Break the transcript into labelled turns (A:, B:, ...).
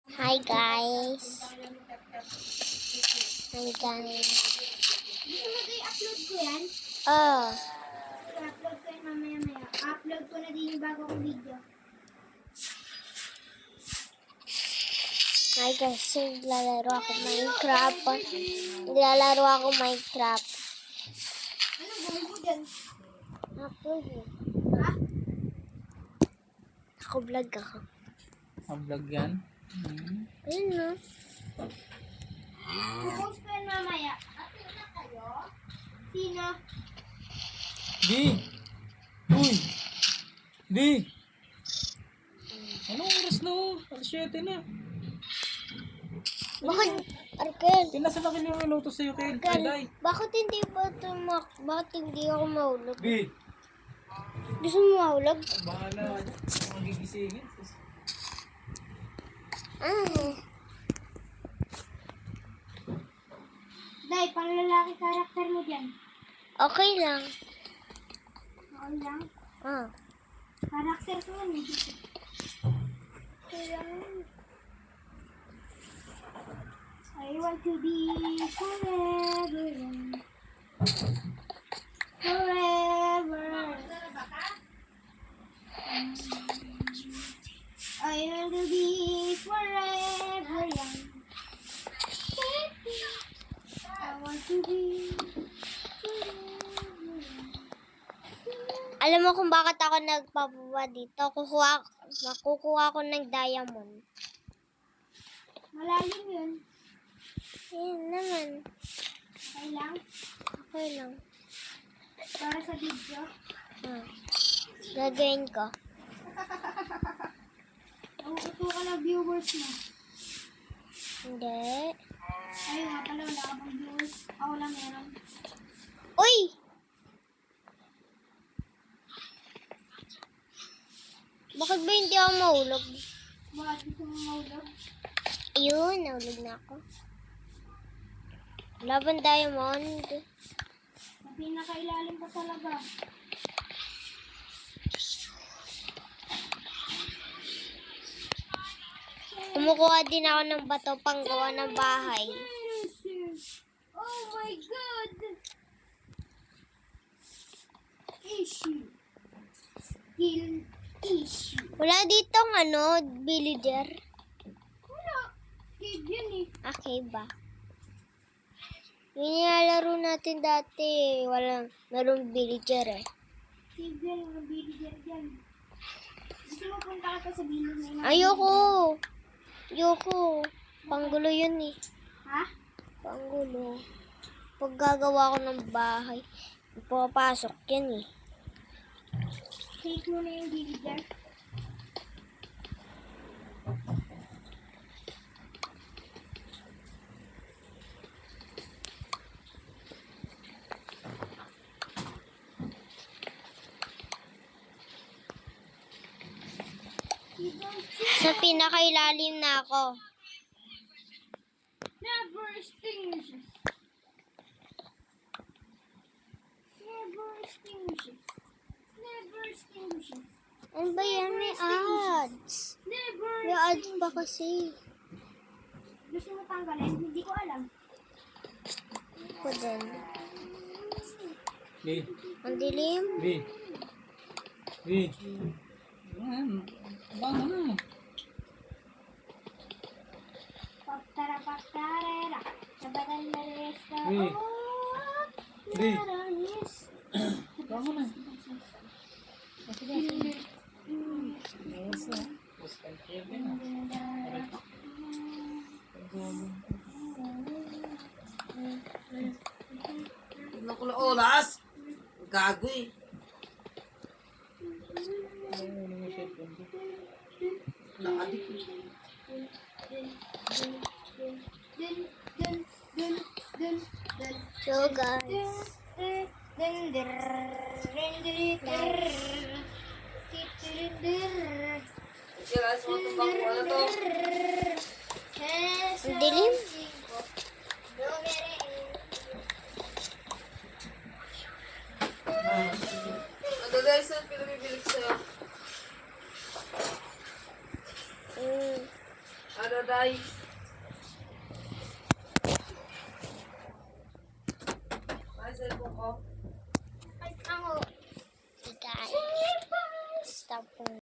A: Hi guys. Hi guys.
B: Gusto mo ito i-upload ko yan?
A: Oh,
B: I-upload ko yan mamaya-maya. Upload ko na din yung bago kong video.
A: hi guys. Naglalaro ako Minecraft. Naglalaro ako Minecraft.
B: Ano gawin mo dyan?
A: Upload mo.
B: Ha?
A: Ako vlog ako.
C: Ang vlog yan?
A: Ayun no.
B: Post ko yan mamaya. Upload na kayo? Sino?
C: Di! Uy! Di! Anong oras na oh? Alas 7 na.
A: Bakit, Arkel?
C: Pinasa na kiniluluto sa'yo kay Day.
A: Bakit hindi ba bakit hindi ako mahulog?
C: Di!
A: Gusto mo mahulog?
C: Bahala. Magigisingin.
A: Ah,
B: Day, pang lalaki karakter mo dyan.
A: okay lang.
B: Oo lang.
A: Ah.
B: Karakter ko yan eh.
A: Okay lang.
B: I want to be forever young. Forever. I want to be forever young. I want to be forever young.
A: Alam mo kung bakit ako nagpapaba dito? Makukuha ko ng diamond.
B: Malalim yun.
A: Ayun naman.
B: Okay lang.
A: Okay lang.
B: Para sa video.
A: Ah. Gagawin ko.
B: Nauuto ka ng viewers mo.
A: Hindi.
B: Ayun nga pala, wala ka bang viewers. Ako lang meron.
A: Uy! Bakit ba hindi ako mahulog?
B: Bakit gusto mo maulog?
A: Ayun, nahulog na ako. Laban diamond.
B: Na pinakailalim pa talaga.
A: Kumukuha din ako ng bato pang gawa ng bahay.
B: Oh my God! Issue. Skill issue.
A: Wala ditong villager.
B: Wala. Cave yun eh.
A: Okay ba? Yung nilalaro natin dati, merong villager eh.
B: Cave yan. Mga villager dyan. Gusto mo punta ka pa sa village na yun?
A: Ayoko. Panggulo yun eh.
B: Ha?
A: Panggulo. Pag gagawa ko ng bahay, papasok yan eh.
B: Cave mo na yung villager.
A: Sa pinakailalim na ako.
B: Never extinguishes. Never extinguishes. Never extinguishes.
A: Ano ba yan? May ads.
B: Never
A: May ads pa kasi.
B: Gusto mo tanggalin? Hindi ko alam.
A: Ako din.
C: Di!
A: Ang dilim.
C: Di! Di! Ayan. Bango na.
B: Paktara-paktarera. Sabatan na resta.
C: Di! Di!
B: Naranis.
C: Bango na. Yes na. Tapos kaya na.
D: Tignan ko na oras. Gago eh. Nakadik eh.
B: Dun, dun, dun, dun, dun.
A: So guys.
B: Dun, dir, din, dir, dir. Dir, dir.
D: Kaya sa mga tubang ko na to.
A: Ang dilim.
D: Ano guys, ang pinabibili ko sa'yo?
A: Mm.
D: Ano? Daday. Ay, cellphone ko.
A: Ay, ako. Sige, stop po.